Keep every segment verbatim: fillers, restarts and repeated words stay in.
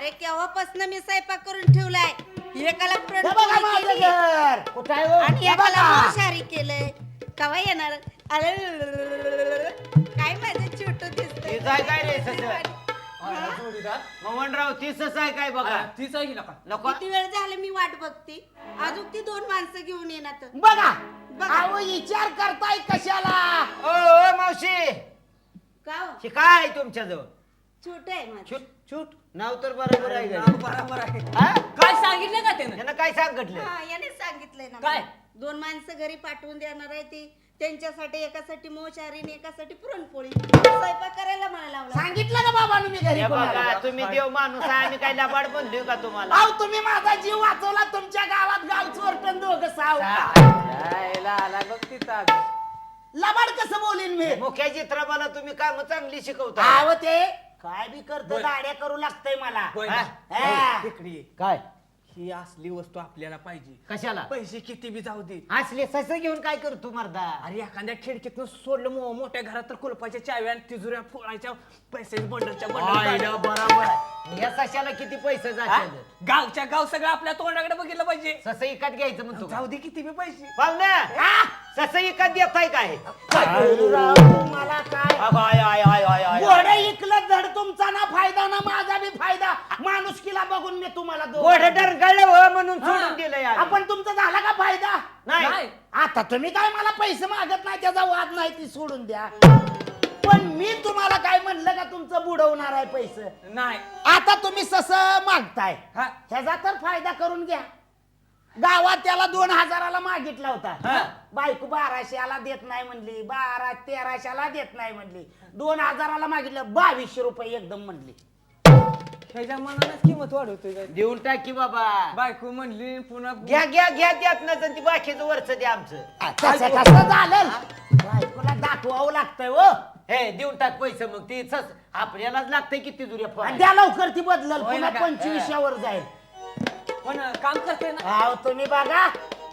अरे केव्हापासून मी स्वयंपाक करून ठेवलाय. एकाला पुरणपोळी केली आणि एकाला मांसाहारी केलंय. केव्हा येणार? अरे काय माझं छोटू दिसतंय. काय रे ससं? मोहनराव तीसच आहे काय बघा. तीच आहे की नका नको किती वेळ झालं मी वाट बघते. अजून ती दोन माणसं घेऊन येणार. बघा अहो विचार करताय कशाला? ओ ओ मावशी का हो? हे काय तुमच्याजवळ? छोट आहे माझं. छूट छूट नाव तर बरोबर आहे नाव गं. बरोबर आहे. हा? काय सांगितलं का त्यानं? त्यानं काय सांगितलं? हा याने सांगितलंय ना. काय? दोन माणसं घरी पाठवून देणार आहे ती. त्यांच्यासाठी एकासाठी मोशारी आणि एकासाठी पुरणपोळी स्वयंपाक करायला मला लावला. सांगितलं का बाबा मी घरी हे कोणाला? बघा तुम्ही देव माणूस आहे आम्ही काय लबाड बनलोय का तुम्हाला? अहो तुम्ही माझा जीव वाचवला. तुमच्या गावात गाव चोरटन दोघं साव जायला आला बघ तिथं. लबाड कसं बोलीन मी? मुख्या चित्रपाला तुम्ही काम चांगली शिकवता. अहो ते काय बी करतो दाड्या करू लागतंय मला. होय हा? ना? हा. तिकडे ये. काय ही असली वस्तू आपल्याला पाहिजे. कशाला? पैसे किती बी जाऊ दे. असले सस घेऊन काय करतो मर्दा? अरे एखाद्या खिडकीतून सोडलं मो- मोठ्या घरात तर कुलपाच्या चाव्या आणि तिजुऱ्या फोडायच्या पैसे बंडलच्या आईला बंडल. बरोबर आहे. या सशाला किती पैसे जाते? गावच्या गाव सगळं आपल्या तोंडाकडे बघितलं पाहिजे. सस इकत घ्यायचं म्हणतो जाऊ दे किती बी पैसे. पाहुण्या सस इकत देताय काय? राव, मला काय अगं, आय आय आय आय आय घोडे इकलं धड तुमचा ना फायदा ना माझा बी फायदा. माणुसकीला बघून मी तुम्हाला दोघं- गोड डरगळलं हो म्हणून सोडून दिलंय आम्ही. आपण तुमचा झाला का फायदा? नाही नाही. आता तुम्ही काय मला पैसे मागत नाही त्याचा वाद नाही ती सोडून द्या. पण मी तुम्हाला काय म्हणलं का तुमचं बुडवणार आहे पैसे? नाही. आता तुम्ही सस मागताय हा. ह्याचा तर फायदा करून घ्या. गावात त्याला दोन हजाराला मागितला होता. हा. बायको बाराशेला देत नाही म्हणली, बारा तेराशेला देत नाही म्हणली, दोन हजाराला मागितलं बावीसशे रुपये एकदम म्हणली. ह्याच्या मनानच किंमत वाढवतोय काय. देऊन टाकी बाबा. बायको म्हणली पुन्हा घ्या घ्या घ्या द्यात नसेल ती बाकीचं वरच द्या आमचं. कसं कसं झालं? बायकोला दाखवावं लागतंय हो. हे देऊन टाक पैसे मग ती सस आपल्यालाच लागतंय किती दुर्या आणि फोन. द्या लवकर ती बदलल होय पुन्हा ना का? पंचवीसशेवर जाईल. पण काम करते ना. अहो तुम्ही बघा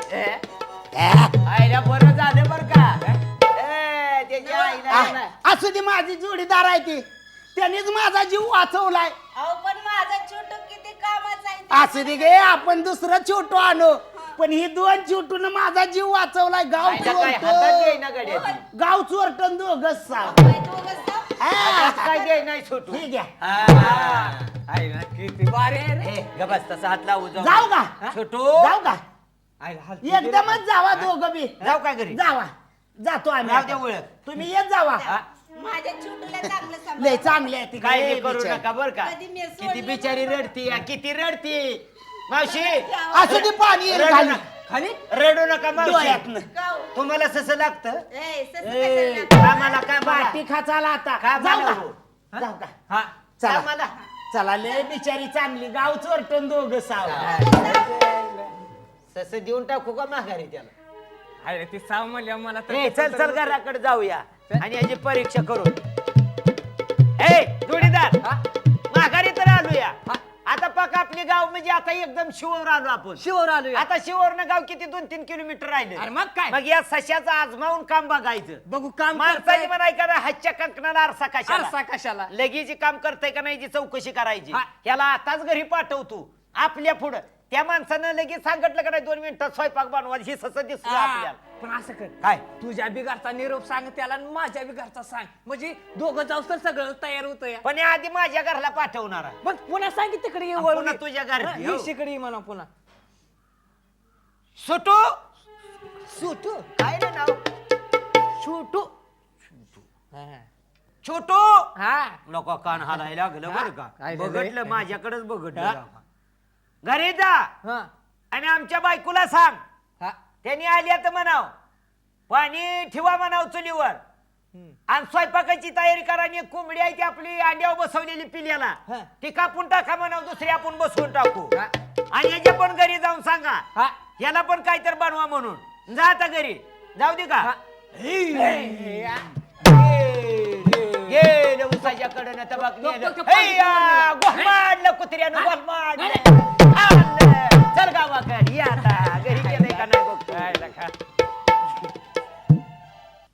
आईला बरं झालं बरं का? ए, त्याच्या आईला नाही. असू दे माझी जोडीदार आहे ती. त्यांनीच माझा जीव वाचवलाय. अहो पण माझा छोटू किती कामाचा आहे ते. असू दे गे आपण दुसरं छोटू आणू. पण ही दोन छोटून माझा जीव वाचवलाय. गाव आईला काय हातात देईना चोरटं गड्या. गाव चोरटन दोघच साव. काय दोघं साप? हातात काय देई नाही छोटू. ठीक आहे आहे ना किती बारे आहे रे. ए, ग बस तसा हात लावू जाऊ. जाऊ का? छोटू जाऊ का? आईला हात- एकदमच जावा दोघं बी. जाऊ काय घरी? जावा जातो आम्ही जाऊ दे आता. ओळख. तुम्ही येत जावा. माझ्या छोटूला चांगलं सांभाळ. लय चांगले आहे ती. काय लय बी करू बिचारी. नका बर का? कधी मी किती सोडलं बिचारी नव्हतं. रडती या, किती रडती मावशी. असू दे पाणी येईल रडू खाली. नका. खाली रडू नका मावशी. डोळ्यातनं. का हो? तुम्हाला सस लागतं ए, ससं ए, कशाला लागतं? कामाला काय पाठी खाचाला आता. काय जाऊ मला का? हो? जाऊ का? हा चला कामाला. चला लय बिचारी चांगली. गाव चोरटन दोघं साव. सस देऊन टाकू का माघारी त्याला? आहे रे, ती साव म्हणल्या मला तर- ए चल चल घराकडे जाऊया आणि याची परीक्षा करू. ए जोडीदार हा? माघारी तर आलोया. हा? आता पक आपली गाव म्हणजे आता एकदम शिवर आलो आपण. शिवर आलो आता शिवरनं गाव किती दोन तीन किलोमीटर राहिले. अरे मग काय? मग या सशाचं आजमावून काम बघायचं. बघू काम माणसाची करताय. म्हणाय का नाही, हातच्या कंकणाला आरसा कशाला? आरसा कशाला? लगेच काम करताय का नाही याची चौकशी करायची. हा. याला आताच घरी पाठवतो आपल्या पुढं. त्या माणसानं लगेच सांगितलं का नाही दोन मिनिटात स्वयंपाक बनवा हे सस दिसलं हा, आपल्याला. पण असं कर काय? तुझ्या बिगारचा निरोप सांग त्याला आणि माझ्या बिगारचा सांग म्हणजे दोघं जाऊ तर सगळं तयार होतं या. पण या आधी माझ्या घरला पाठवणार आहे. मग पुन्हा सांग की तिकडे ये आणि वळून पुन्हा ये. तुझ्या घरी, हा, हो. ये शिकडे ये म्हणा पुन्हा. सुटू सुटू काय रे नाव? छोटू छोटू हा नको कान हालायला लागलं बरं का? काय झालंय? बघितलं माझ्याकडेच बघितलं हा. राव. घरी जा हा आणि आमच्या बायकोला सांग हा त्यांनी आली तर म्हणाव पाणी ठेवा म्हणाव चुलीवर हम्म. आणि स्वयंपाकाची तयारी करा आणि एक कोंबडी आहे ती आपली अंड्यावर बसवलेली पिल्याला हा. ती कापून टाका म्हणाव दुसरी आपण बसवून टाकू हा. आणि याच्या पण घरी जाऊन सांगा हा याला पण काहीतरी बनवा म्हणून. जा आता घरी जाऊ दे का? हा. हे, या. गेलं उसाच्या कडनं तबाक तो- तो- नेलं. तो पाणी हैया, पिऊन गेला. गोहमाडलं कुत्र्यानं हा? गोहमाडलं. नाही, नाही.